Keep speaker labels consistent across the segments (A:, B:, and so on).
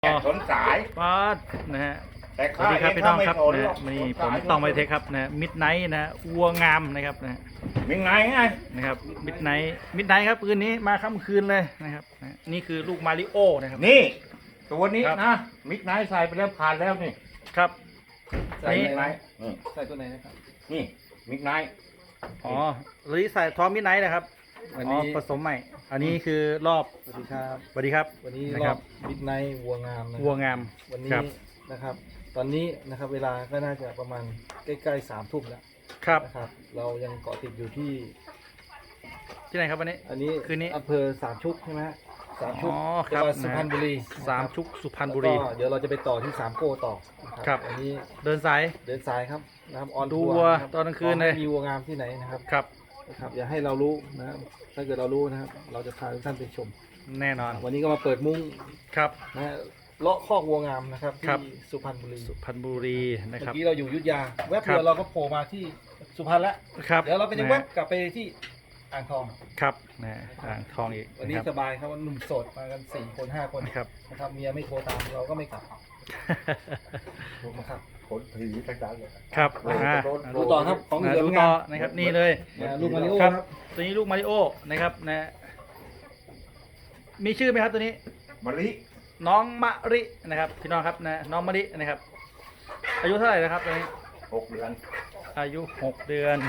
A: สนสาย
B: ป๊าดนะฮะ
A: แต่
B: สวัสดีครับพี่น้องครับ
A: นะ
B: นะนี่ผมต้องไปเทคครับนะมิดไนท์นะวัวงามนะครับนะ
A: มีไง
B: นะครับมิดไนท์ครับคืนนี้มาค่ำคืนเลยนะครับนะนี่คือลูกมาริโอนะครับ
A: นี่ตัวนี้
B: ครับ
A: นะมิกไนท์ใส่ไปแล้วผ่านแล้วนี่
B: ครับ
A: ใส่
B: นี่
A: มิกไนท์
C: ใส่ตัวไหนนะครับ
A: นี่มิกไนท์
B: อ๋อหรือใส่ท้อมมิดไนท์นะครับ
C: วัน
B: อ๋อ
C: นี้
B: ผสมใหม่ อันนี้คือรอบ
C: สวัสดีครับ
B: สวัสดีครับ
C: วันนี้
B: นะ
C: ร
B: ค
C: อ
B: รั
C: บบ บิ๊กไนท์วัวงามนะ
B: วัวงาม
C: วัน
B: ค
C: นี้
B: รับ
C: นะครับ ตอนนี้นะครับเวลาก็น่าจะประมาณใกล้ๆ3 ทุ่มแล้ว
B: ครับ
C: นะครับ เรายังเกาะติดอยู่ที่
B: ที่ไหนครับวันนี้
C: อันนี้
B: คืนนี้
C: อำเภอสามชุกใช่ไหมฮะสามชุก
B: อ๋อค
C: จั
B: รั
C: ง
B: บ
C: หวัดสุพรรณบุรี
B: สามชุกสุพรรณบุ
C: แล้ว
B: รี
C: ก็เดี๋ยวเราจะไปต่อที่สามโก้ต่อนะ
B: ครับ
C: วันนี้
B: เดินสาย
C: เดินสายครับนะครับออน
B: ดู
C: ทัว
B: วัว
C: ร์ะครับ
B: ตอนกลางคืนเลย
C: ขอให้มีวัวงามที่ไหนนะครับ
B: ครับ
C: นะครับอย่าให้เรารู้นะครับถ้าเกิดเรารู้นะครับ เราจะพาทุกท่านไปชม
B: แน่นอน
C: วันนี้ก็มาเปิดมุ้ง
B: ครับ
C: นะฮะเลาะคอกวัวงามนะครับ
B: ครับ
C: ที่สุพรรณบุรี
B: สุพรรณบุรีนะ
C: เมื่
B: ครับ
C: อกี้เราอยู่อยุธยาแวบ
B: ครับ
C: เดียวเราก็โผล่มาที่สุพรรณแล้ว
B: ครับ
C: เดี๋ยวเราไปใน
B: นะ
C: แว
B: ฮะ
C: บกลับไปที่อ่างทอง
B: ครับนะอ่างทองอีก
C: วัน
B: นะ
C: นี้
B: ครับ
C: สบายครับว่าหนุ่มโสดมากัน4 คน5 คน
B: นะครับ
C: นะครับเมียไม่โทรตามเราก็ไม่กลับนะครับ
A: ขนผีทั้งนั้นเลย
B: ครับ
A: โอ้
B: อ่า
A: โดน
C: ดูต่อครับของเหลือ
B: ดู
C: งา
B: ต่อ
C: ม
B: นะครับนี่เลย
C: นะลูกมาริโอ
B: ครับ
C: ครับ
B: ตัวนี้ลูกมาริโอนะครับนะมีชื่อไหมครับตัวนี้
A: มะลิ
B: น้องมะรินะครับพี่น้องครับนะน้องมะรินะครับ อายุเท่าไหร่นะครับตัวนี้
A: 6 เดือน
B: อายุ6 เดือน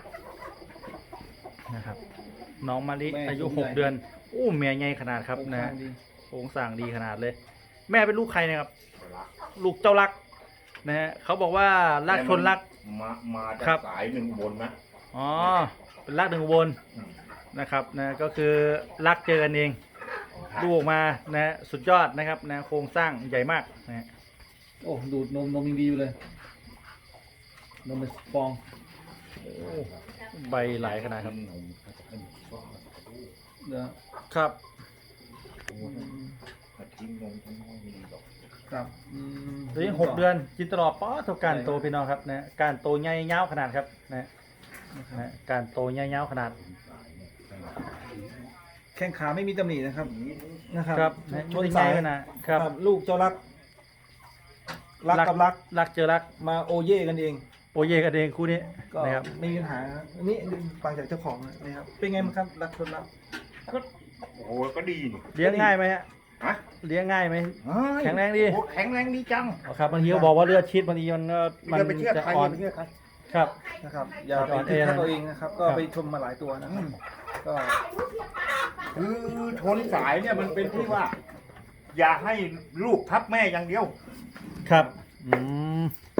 B: นะครับน้องมะลิอายุ6 เดือนอู้เมียใหญ่ขนาดครับนะ
C: ดี
B: โครงสร้างดีขนาดเลย แม่เป็นลูกใครนะครับ ลูกเจ้ารักนะฮะเขาบอกว่ารักชนรัก
A: มาจา
B: ครั
A: ก
B: บ
A: สายหนึ่งบนนะ
B: อ๋อเป็นรักหนึ่งอุบลนะครับนะก็คือรักเจอกันเองลูกออกมานะฮะสุดยอดนะครับนะโครงสร้างใหญ่มากนะฮะ
C: โอ้ดูดนมยังดีอยู่เลยนมเป็นฟอง
B: โอ้ใบหลายขนาดครับ
C: เดี๋ยว
B: ครับ
A: ทิ้งนมทั้งห้องมีดอก
C: ครับ
B: ตัวนี้6 เดือนกินตลอดป้อเท่าการโตพี่น้องครับนะการโตใหญ่ยาวขนาดครับนะนะการโตใหญ่ยาวขนาด
C: แข้งขาไม่มีตำหนินะครับนะครับ
B: ครับนะ
C: ชน
B: ให
C: สา
B: ญ่
C: ย
B: ขนาดครับ
C: ลูกเจ้ารักกับรัก
B: รักเจอรัก
C: มาโอเย่กันเอง
B: โอเยกันเองคู่นี้
C: ก็
B: นะครับ
C: ไม่มีปัญหาครับอันนี้ฟังจากเจ้าของนะครับเป็นไงบ้างครับรักชนรัก
A: ก็โอ้โหก็ดีนี่
B: เลี้ยงง่ายไหมฮะ
A: ฮะ
B: เลี้ยงง่ายไหม
A: เฮ้ย
B: แข็งแรงดี
A: โอ้แข็งแรงดีจัง
B: อ๋อครับบางทีเขาบอกว่าเลือดชิดบางทีมันก็มัน
A: อย่าไปเชื่อ
B: จะ
A: ใคร
B: อ่อ
A: อน ย่าไปเชื่อใคร
B: ครับ
C: นะครับอย่าไป
B: อ่อนแอ
C: คิด
B: นะ
C: ค่าตัวเองนะครับ ก็
B: ครับ
C: ไปชมมาหลายตัวนะครับก็
A: คือชนสายเนี่ยมันเป็นที่ว่า อย่าให้ลูกทับแม่อย่างเดียว
B: ครับม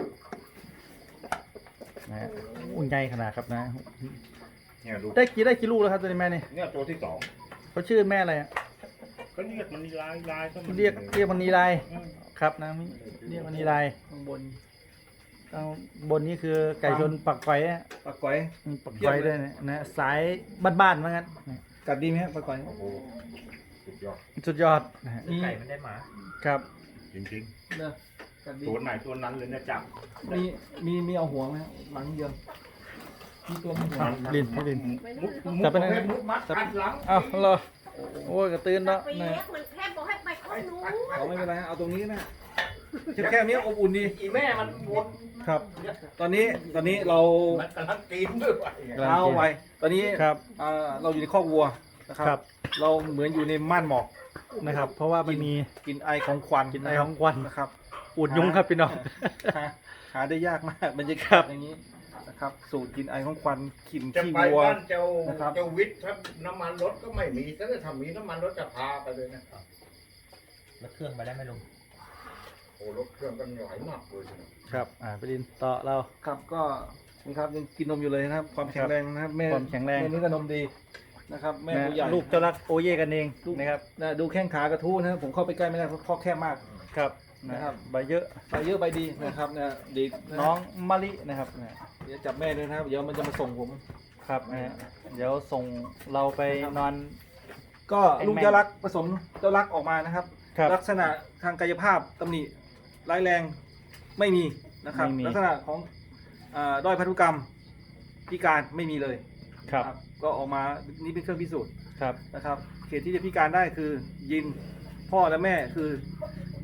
B: นะฮะโอ้ใหญ่ขนาดครับนะ
A: เนี่ยดู
B: ได้กี่ลูกแล้วครับตัวนี้แม่นี่
A: เนี่ยตัวที่
B: เขาชื่อแม่อะไรอะ
A: 2ก็เรียกมันลายก็มัน
B: เรียกมันนีลายครับนะเรียกมันนีลาย
C: ข้างบน
B: ข้างบนนี้คือไก่ชนปักไฟอะ
C: ปลาก๋อย
B: ปักไฟด้วยนะสายบ้านๆเหมือนกันนะ
C: กัดดีไหมครับปลาก๋อย
A: โอ้โหสุดยอด
B: สุดยอดนะฮะ
C: มี
A: ไก่มันได้หมา
B: ครับ
A: จริง
C: เนอะกัดดี
A: ๆตัวไหนตัวนั้นเลยนะจับ
C: มีเอาหัวไหมครับหลังเดียวมีตัวมีหัว
B: ลิ้น
A: มุด
B: จับไปไหน
A: มุดมัดกัดหลัง
B: อ้าวเหรอโอ้ยกระตือนเนาะ
D: ไป
B: นะ
D: เลี้ยงมันแค่บอกให้ไปข้างนู้น
C: เอาไม่เป็นไรฮะเอาตรงนี้นะแค่นี้อบอุ่นดี
A: อีแม่มันวน
C: ครับ ตอนนี้เรา
A: มันกำลังกินด้วยวะ
C: เท้าไว้ตอนนี้
B: ครับ
C: เราอยู่ในคอกวัวนะค
B: ครั
C: รับ เราเหมือนอยู่ในม่านหมอก
B: นะครับ เพราะว่ามันมี
C: กลินไอของควัน
B: กลินไอของควัน
C: นะครับ
B: อุดยุงครับพี่น้อง
C: หาได้ยากมากบรรยา
B: ครั
C: กาศ
B: บ
C: อย่างนี้นะครับ สูตรกลินไอของควันกลิ่น
A: จะ
C: ขี้
A: ไป
C: วัว
A: บ้านเจ้า
C: นะครับ
A: เจ้าวิทย์ถ้าน้ำมันรถก็ไม่มีถ้าจะทำมีน้ำมันรถจะพาไปเลยนะ
E: แล้วเครื่องไปได้ไหมลุง
A: โอ้รถเครื่องกันหลายมากเลยนะครับ
B: ไปดินต่อเรา
C: ครับก็นี่ครับยังกินนมอยู่เลยนะครับ ความแข็งแรงนะครับแม่
B: ความแข็งแรง
C: แม่นี่ก็นมดีนะครับแม่
B: นะ
C: ตัวใหญ่
B: ลูกเจ้ารักโอเย่กันเอง
C: ลูก
B: นะครับ
C: นะดูแข้งขากระทู้นะครับผมเข้าไปใกล้ไม่ได้เพราะข้อแคบมาก
B: ครับ
C: นะครับ
B: ใบเยอะ
C: ไปเยอะไปดีนะครับนะดีะ
B: น้องมะลินะครับนะ
C: เดี๋ยวจับแม่ด้วยนะครับเดี๋ยวมันจะมาส่งผม
B: ครับนะเดี๋ยวส่งเราไปนอน
C: ก็ลูกเจ้ารักผสมเจ้ารักออกมานะครับ
B: ครับ
C: ลักษณะทางกายภาพตำหนิร้ายแรงไม่มีนะครับ
B: ไม่มี
C: ลักษณะของด้อยพันธุกรรมพิการไม่มีเลย
B: ครับ
C: ครับก็ออกมานี่เป็นเครื่องพิสูจน์
B: ครับ
C: นะครับเขตที่จะพิการได้คือยินพ่อและแม่คือ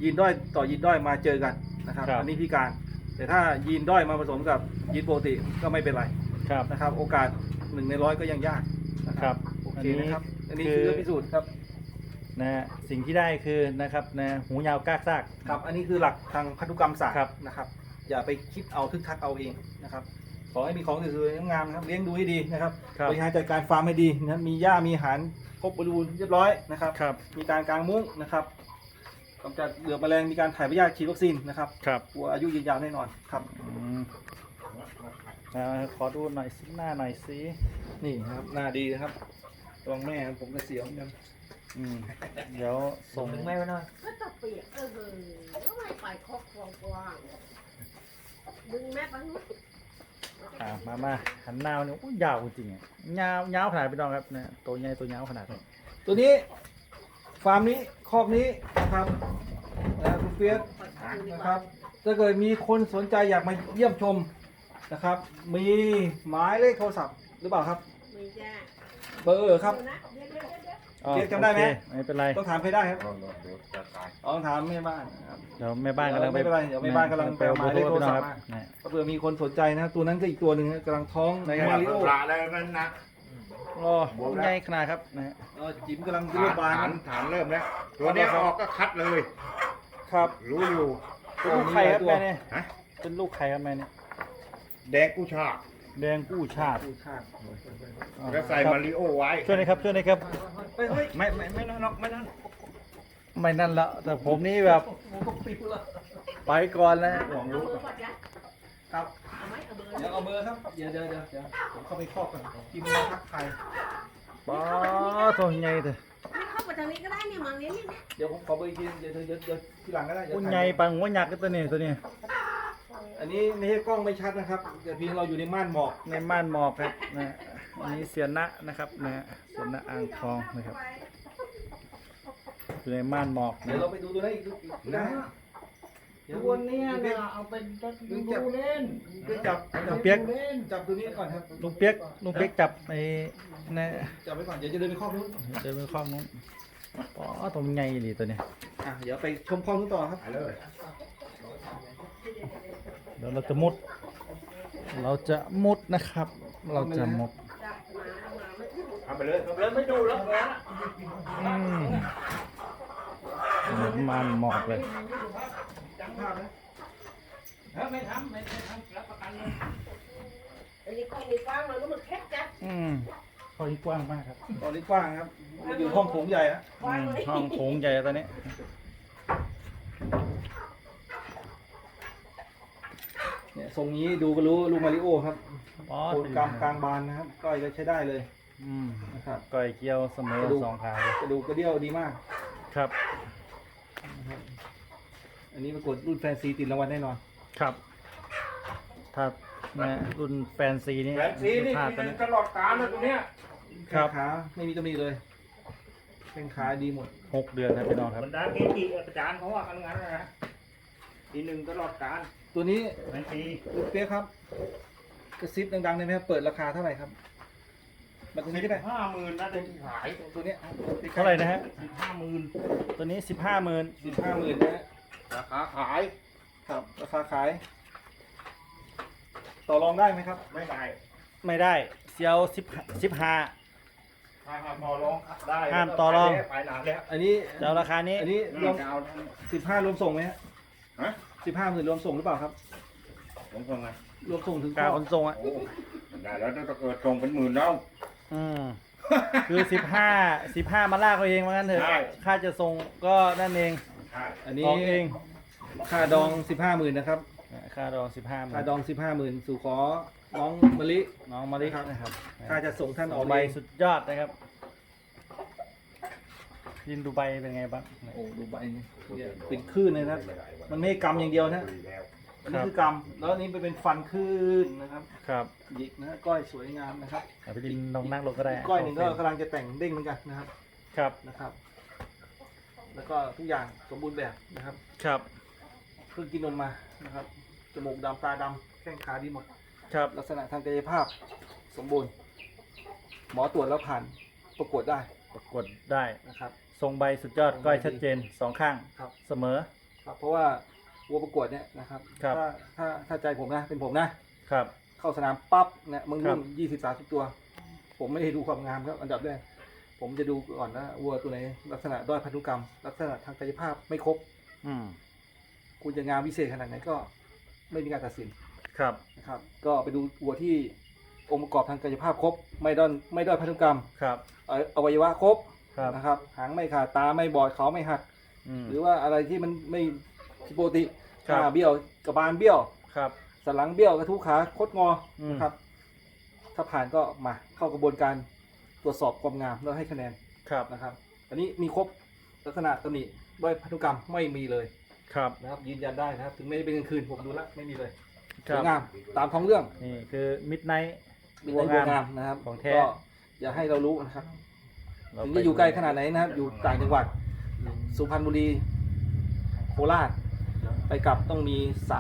C: ยีนด้อยต่อยีนด้อยมาเจอกันนะครับ
B: ครับ
C: อันนี้พิการ แต่ถ้ายีนด้อยมาผสมกับยีนปกติก็ไม่เป็นไร
B: ครับ
C: นะครับ โอกาส1 ใน 100ก็ยังยากนะครับ โอเคนะครับ อันนี้คือเรื่องพิสูจน์ครับ
B: นะฮะสิ่งที่ได้คือนะครับนะหูยาวกากซาก
C: ครับ อันนี้คือหลักทางพันธุกรรมศาสตร์
B: ครับ
C: นะครับ อย่าไปคิดเอาทึกทักเอาเองนะครับ ขอให้มีของสวยๆงามๆนะครับ เลี้ยงดูให้ดีนะครับ
B: ครับ
C: บริหารจัดการฟาร์มให้ดีนะครับ มีหญ้ามีอาหารครบบริบูรณ์เรียบร้อยนะครับ
B: ครับ
C: มีการกางมุ้งนะครับกำจัดเหลือบแมลง มีการถ่ายพยาธิฉีดวัคซีนนะครับ
B: ครับ
C: วัวอายุยืนยาวแน่นอนครับ
B: อืมขอดูหน่อยสิหน้าหน่อยสิ
C: นี่นะครับหน้าดีนะครับระวังแม่ครับผมก็เสียวเหมือนกัน
B: อืมเดี๋ยวส่ง
E: ถึงแม่ไว้หน่อย
D: ก็จะเปียกก็ไม่ไปคอกกว้างดึงแม่ไปนู้น
B: มาหันหน้าเนี่ยโอ้ยยาวจริงๆอ่ะยาวขนาดพี่น้องครับเนี่ยตัวใหญ่ตัวยาวขนาดนี้
C: ตัวนี้ฟาร์มนี้คอกนี้นะครับคุณเฟียสนะครับถ้าเกิดมีคนสนใจอยากมาเยี่ยมชมนะครับ มีหมายเลขโทรศัพท์หรือเปล่าครับ
D: มีจ้า
C: เบอร์ครับ
B: อ๋อ
C: เรียกจำได้ไหม
B: โอเคไม่เป็นไร
C: ต้องถามใครได้ครับ
A: เดี๋ยวจะตาย
C: ต้องถามแม่บ้านนะครับ
B: เดี๋ยวแม่บ้านกำลัง
C: ไม่เป็นไรเดี๋ยวแม่บ้านกำลัง
B: ไปเอา
C: หมายเลขโทรศัพท์
B: พี่น้อง
C: มา
B: นะ
C: เผื่อมีคนสนใจนะครับตัวนั้นก็อีกตัวหนึ่งนะกำลังท้องใน
A: ไม่
C: มา
A: เอา
C: ริโอ
A: ปลาแล้วนั่นนะ
B: โอ้ใหญ่ขนาดครับนะฮะ
C: จิ๋มกำลังรูปบาน
A: ฐานเริ่มแล้ว ตัวเนี้ยออกก็คัดเลย
B: ครับ
A: รู้อยู่
B: เป็นลูกใครครับแม่เนี่ย
A: ฮะ
B: เป็นลูกใครครับแม่เนี่ย
A: แดงกู้ชาติ
B: แดงกู้ชาติ
C: ดูชาติ
B: อ๋อ
A: แล้วใส่มาริโอไว้
B: ช่วยหน่อยครับช่วยหน่อยครับ
C: เฮ้ยเฮ้ย
A: ไม่นั่นหรอกไม่นั่น
B: ไม่นั่นละแต่ผมนี่แบบ
C: โอ้โหปิวละ
B: ไปก่อนแล้ว
D: เอาเบอร์ก่อนจ้ะ
C: ครับ
D: เอาไหมเอาเบอร์
C: เดี๋ยวเอาเบอร์ครับเดี๋ยวผมเข้าไปครอบกันกินมาทักไทย
B: ป้าตัวใหญ่เถอะ
D: ไม่เข้าไปทางนี้ก็ได้เนี่ยมังนี้นี่นะ
C: เดี๋ยวผมขอเบอร์อีกทีเดี๋ยวทีหลังก็ได้เดี๋ยว
B: อุ้ย
C: ถ่าย
B: ใหญ่ปังหัวหยักษ์ตัวนี้ตัวนี้
C: อันนี้ไม่ใช่กล้องไม่ชัดนะครับเดี๋ยวเพียงเราอยู่ในม่านหมอก
B: ในม่านหมอกครับนะอันนี้เสียนะนะครับนะเสียนะอ่างทองนะครับอยู่ในม่านหมอก
C: เดี๋ยว
B: นะ
C: เราไปดูตัวนั้นอีกนะ
F: ตัวเนี้ยนะเอาไปดูเล่น
C: จับ
B: ลุงเปียก
C: จับตัวนี้ก่อนครับ
B: ลุงเปียกจับไอ้นะ
C: จับไว้ก่อนเดี๋ยวจะเดินไปครอบนู้น
B: เดินไปข้องนู้นป้าตัวใหญ่ดีตัวนี้
C: เดี๋ยวไปชมคลองนู้นต่อครับ
A: ไปเลย
B: เดี๋ยวเราจะมุดนะครับ เราจะมุด
A: เอาไปเลยไม่ดูแล้วนะ
B: อืมเหมือนม่านหมอกเลย
C: จังภาพนะ
F: ไม่ทำรับประกันเลย
D: อันนี้ก็มีฟ้ามันก็มันแคบจ้ะ
B: อืมห้องนี้กว้างมากครับ
C: ตอนนี้กว้างครับอยู่ห้องโถงใหญ่นะ
B: อืมห้องโถงใหญ่ตอนนี้
C: เนี่ยทรงนี้ดูก็รู้ลูกมาริโอครับ
B: อ๋อ
C: โคนกลางกลางบานนะครับก้อยก็ใช้ได้เลย
B: อืม
C: นะครับ
B: ก้อยเกียวเสมอก
C: ระดูก
B: สองขาเลย
C: กระดูกกระเดี่ยวดีมาก
B: ครับ
C: อันนี้ปรากฏรุ่นแฟนซีติดรางวัลแน่นอน
B: ครับถ้านะรุ่นแฟนซีนี่
A: แหวนสีนี่
B: พลาด
A: กิ
B: ตอนนี้
A: นตลอดกาลเลยตัวเนี้ย
B: ครับ
C: แข้งขาไม่มีตำหนิเลยแข้งขาดีหมด
B: 6 เดือนครับพี่น้องครับ
A: บรรดาเกจิอาจารย์เขาว่ากันงั้นนะทีหนึ่งตลอดกาล
C: ตัวนี้
A: แหวนสี
C: ลูกเปี๊ยกครับกระซิบดังๆได้ไหมครับเปิดราคาเท่าไหร่ครับแบบตัวนี้ได้ไหม
A: 50,000นะเด็กขาย
C: ตัวเนี้ย
B: เท่าไหร่นะฮะ
A: 50,000
B: ตัวนี้ 15,000
C: 15,000นะฮะ
A: ราคาขาย
C: ครับราคาขาย ต่อรองได้ไหมครับ
A: ไม่ได้
B: ไม่ได้เซียว15
A: ถ้าต่อรองได้
B: ห้ามต่อรอง
A: ไปนานแล้ว
C: อันนี้
B: จะเอาราคานี้
C: อันนี้รวม
A: จะเอา
C: 15รวมส่งไหมฮะ
A: ฮะ
C: 15,000รวมส่งหรือเปล่าครับ
A: ผมส่งไง
C: รวมส่งถึง
B: กาขนส่งอ่ะ
A: โอ้ได้แล้วถ้าเกิดส่งเป็นหมื่นแล้ว
B: อืมคือ15มาลากเอาเองว่างั้นเถอะ
A: ใช่
B: ค่าจะส่งก็นั่นเอง
A: ใช่
C: อันนี้
B: ออกเอง
C: ค่าดอง 15,000นะครับ
B: ค่าดอง
C: ค่าดอง 15,000สู่ขอน้องมะลิ
B: 15น้องมาลินะครับ
C: ค่าจะส่งท่านออก
B: ใบ
C: เอง
B: สุดยอดนะครับยินดูใบเป็นไงบ้าง
C: โอ้ดูใบนี่เนี่ยเป็นคลื่นเลยนะครับ มันไม่ใช่กำอย่างเดียวนะ อันนี้คือกำแล้วอันนี้เป็นฟันคลื่นนะครับ
B: ครับ
C: หยิกนะฮะก้อยสวยงามนะครับ
B: เอาไปดินลองนั่งลงก็ได้
C: ก้อยหนึ่งก็กำลังจะแต่งเด้งเหมือนกันนะครับ
B: ครับ
C: นะครับ แล้วก็ทุกอย่างสมบูรณ์แบบนะครับ
B: ครับ
C: เพิ่งกินนมมานะครับ จมูกดำตาดำแข้งขาดีหมด
B: ครับ
C: ลักษณะทางกายภาพสมบูรณ์ หมอตรวจแล้วผ่านประกวดได้
B: ประกวดได้
C: นะครับ
B: ทรงใบสุดยอดก้อยชัดเจน 2 ข้าง
C: ครับ
B: เสมอ
C: ครับเพราะว่าวัวประกวดเนี่ยนะครับ
B: ครับ
C: ถ้าใจผมนะเป็นผมนะครับ เข้าสนามปั๊บเนี่ยมึงรุ่น20-30 ตัว ผมไม่ได้ดูความงามครับอันดับแรกผมจะดูก่อนนะวัวตัวไหนลักษณะด้อยพันธุกรรม ลักษณะทางกายภาพไม่ครบ
B: อืม
C: คุณจะงามวิเศษขนาดไหนก็ไม่มีการตัดสิน
B: ครับ
C: นะครับ ก็ไปดูวัวที่องค์ประกอบทางกายภาพครบ ไม่ด้อยพันธุกรรม
B: ครับ
C: อวัยวะครบ
B: ครับ
C: นะครับหางไม่ขาดตาไม่บอดเขาไม่หัก
B: อืม
C: หรือว่าอะไรที่มันไม่ผิดปกติ
B: ครับ
C: ขาเบี้ยวกระบาลเบี้ยว
B: ครับ
C: สันหลังเบี้ยวกระทุ้ขาคดงอ
B: อืม
C: นะครับ ถ้าผ่านก็มาเข้ากระบวนการตรวจสอบความงามแล้วให้คะแนน
B: ครับ
C: นะครับ อันนี้มีครบลักษณะตำหนิด้วยพันธุกรรมไม่มีเลย
B: ครับ
C: นะครับ ยืนยันได้นะครับ ถึงไม่ได้เป็นกลางคืนผมดูแล้วไม่มีเลย
B: ค
C: ส
B: รั
C: ว
B: บ
C: ยงามตามท้องเรื่อง
B: นี่คือมิดไนท์
C: มีแต่วัวงามนะครับ
B: ของแท้
C: ก็อย่าให้เรารู้นะครับถึงจะอยู่ไกลขนาดไหนนะครับ อยู่ต่างจังหวัด สุพรรณบุรีโคราชไปกลับต้องมี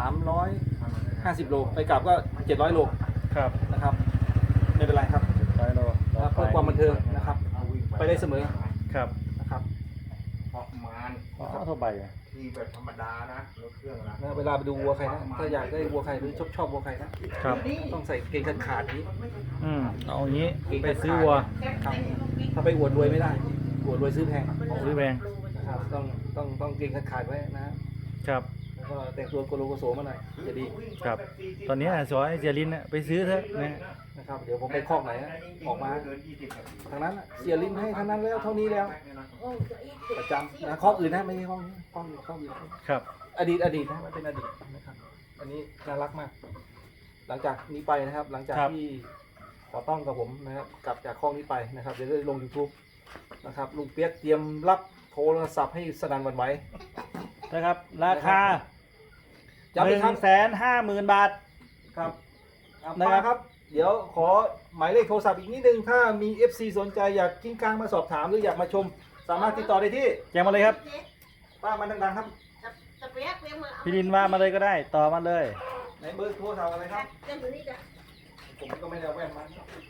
C: 350 โลไปกลับก็700 โล
B: ครับ
C: นะครับไม่เป็นไรครับ
B: 100 โล
C: นะครับเพื่อความบันเทิงนะครับ ไปได้เสมอ
B: ครับ
C: นะครับ
A: ประมาณ
B: อ๋อเท่าใบอะ
A: ที่แบบธรรมดานะรถเครื่องนะ
C: นะเวลาไปดูวัวใครนะถ้าอยากได้วัวใครหรือชอบวัวใครนะครับ ต้องใส่เกงขาดๆนี้
B: อืมเอาอย่างนี้ไปซื้อวัว
C: ครับถ้าไปอวดรวยไม่ได้อวดรวยซื้อแพง
B: ซื้อแพง
C: นะครับต้องเกงขาดๆไว้นะครับ แล้วก็แต่งตัวโกโลโกโสมาหน่อยจะดี
B: ครับ ตอนนี้สอยเจรินน่ะไปซื้อเถอะนะ
C: นะครับเดี๋ยวผมไปคอกไหนนะออกมาทางนั้นน่ะเสียลิ้นให้ทางนั้นแล้วเท่านี้แล้ว ประจำนะคอกอื่นนะไม่ใช่คอกนี้คอกอื่น
B: ครับ
C: อดีตนะมันเป็นอดีตนะครับ อันนี้น่ารักมาก หลังจากนี้ไปนะครับ หลังจาก
B: ครับ
C: ที่ขอต้องกับผมนะครับกลับจากคอกนี้ไปนะครับเดี๋ยวจะลง YouTube นะครับลุงเปียกเตรียมรับโทรศัพท์ให้สนั่นหวั่นไหว
B: นะครับ ราคา
C: ย้ำอีกครั้ง
B: 150,000 บาท
C: ครับ
B: นะ
C: นะครับ ครับ เดี๋ยวขอหมายเลขโทรศัพท์อีกนิดนึงถ้ามี FC สนใจอยากกิ้งกลางมาสอบถามหรืออยากมาชม สามารถติดต่อได้ที่
B: แจ้งมาเลยครับ
C: ป้ามันดังๆครับ
D: จะเปียกเปียกมา
B: พี่ดินว่ามาเลยก็ได้ ต่อมาเลย
C: ในเบอร์โทรศัพท์อะไรครับ
D: จะอยู่นี่จ้ะ
C: ผมก็ไม่ได้เอาแว่นมา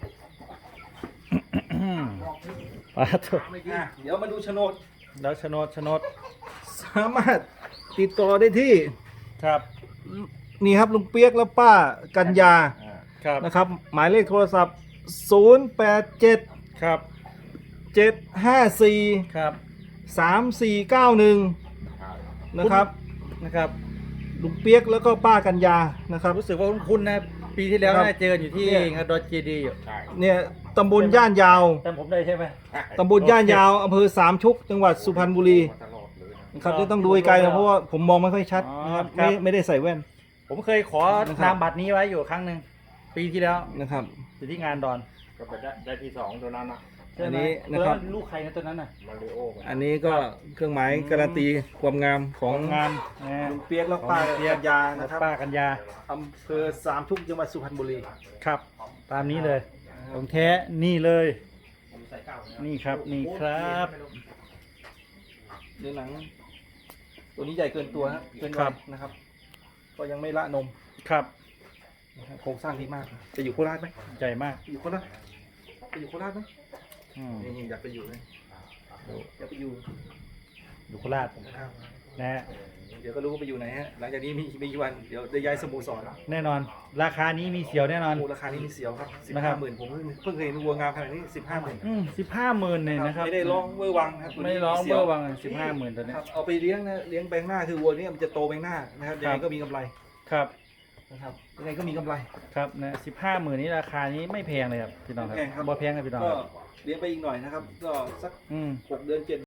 B: ปาถูก
C: เดี๋ยวมาดูโฉนด
B: แล้วโฉนด
C: สามารถติดต่อได้ที่
B: ครับ
C: นี่ครับลุงเปียกและป้ากัญญา
B: ครับ
C: นะครับ หมายเลขโทรศัพท์ 087
B: ครับ
C: 754
B: ครับ
C: 3491 นะครับ
B: นะครับ
C: ลุงเปียกแล้วก็ป้ากัญญานะครับ
B: รู้สึกว่าคุ้นๆนะ ปีที่แล้ว
C: ครับ
B: น่าเจออยู่ที่
C: เนี่ย
B: งานดอนเจดีอยู่
A: ใช่
C: เนี่ยตำบลย่านยาว
B: จำผมได้ใช่ไหม
C: ตำบลย่านยาวอำเภอสามชุกจังหวัดสุพรรณบุรี
A: ตลอดเลยนะ
C: นะครับที่ต้องดูไกลๆนะเพราะว่าผมมองไม่ค่อยชัดนะครับ
B: ครับ
C: ไม่ได้ใส่แว่น
B: ผมเคยขอ
C: นะครับ
B: นามบัตรนี้ไว้อยู่ครั้งหนึ่งปีที่แล้ว
C: นะครับ
B: อยู่ที่งานดอน
A: ก็ไปได้ที่2ตัวนั้นนะ
B: ใช่ไหม
C: อันนี้นะครับ
B: ตัวลูกใครนะตัวนั้นน่ะ
A: มาริโอ
C: อันนี้ก็เครื่องหมายการันตีความงามของ
B: งานนะ
C: ลุงเปียกและป้ากัญญานะครับ
B: ป้ากัญญา
C: อำเภอสามชุกจังหวัดสุพรรณบุรี
B: ครับ ตามนี้เลยของแท้นี่เลย นี่ครับนี่ครับ
C: เนื้อหนัง ตัวนี้ใหญ่เกินตัวฮะเกิน
B: ครั
C: วั
B: บ
C: ยนะครับ ก็ยังไม่ละนม
B: ครับ
C: นะครับโครงสร้างดีมากจะอยู่โคราชไหม
B: ใหญ่มาก
C: อยู่โคราชจะอยู่โคราชไหม
B: อืม
C: นี่อยากไปอยู่เลยอยากไปอยู่
B: อยู่โคราชนะฮะ
C: เดี๋ยวก็รู้ว่าไปอยู่ไหนฮะหลังจากนี้มีกี่วันเดี๋ยวได้ย้ายสโมสร
B: แน่นอน ราคานี้มีเสียวแน่นอน
C: โอ้ราคานี้มีเสียวครับ
B: นะครับ
C: 15,000ผมเพิ่งเคยเห็นวัวงามขนาดนี้15,000
B: 15,000เนี่ยนะครับ
C: ไม่ได้ร้องเวอร์วังนะครับตัว
B: ไม่
C: นี้
B: ร้อง
C: สี
B: เบ
C: ย
B: อร์วัง15,000ตัวเนี้
C: ค
B: ย
C: รับเอาไปเลี้ยงนะเลี้ยงแบงหน้าคือวัวนี้มันจะโตแบงหน้านะครับยังไงก็มีกำไร
B: ครับ
C: นะครับยังไงก็มีกำไร
B: ครับนะ15,000นี้ราคานี้ไม่แพงเลยครับพี่น้องครับ
C: ไม่แพงครับ
B: บ่แพงครับพี่น้อง
C: ก็
B: ครับ
C: เลี้ยงไปอีกหน่อยนะครับ ก็สัก
B: อืม
C: 6 เดือน7